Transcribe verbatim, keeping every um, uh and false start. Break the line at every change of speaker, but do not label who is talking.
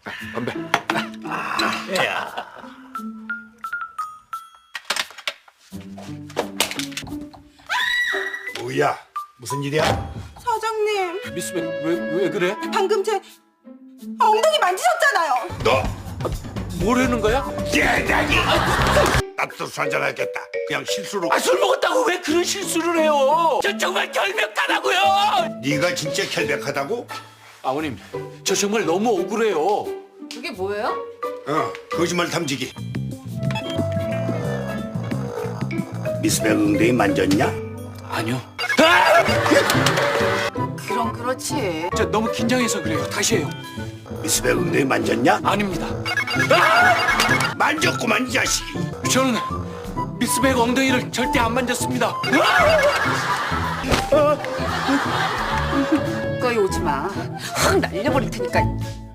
건배.
야.
뭐야? 무슨 일이야?
사장님,
미스백 왜왜 그래?
방금 제 엉덩이 만지셨잖아요.
너
뭐라는 거야?
대단히 나도 한잔하겠다. 그냥 실수로.
아, 술 먹었다고 왜 그런 실수를 해요? 저 정말 결백하다고요.
네가 진짜 결백하다고?
아버님, 저 정말 너무 억울해요.
그게 뭐예요?
어, 거짓말 탐지기. 미스백 엉덩이 만졌냐?
아니요.
그럼 그렇지.
저 너무 긴장해서 그래요. 다시 해요.
미스백 엉덩이 만졌냐?
아닙니다.
만졌구만 이 자식이.
저는 미스백 엉덩이를 절대 안 만졌습니다.
거기 오지 마. 확 날려버릴 테니까.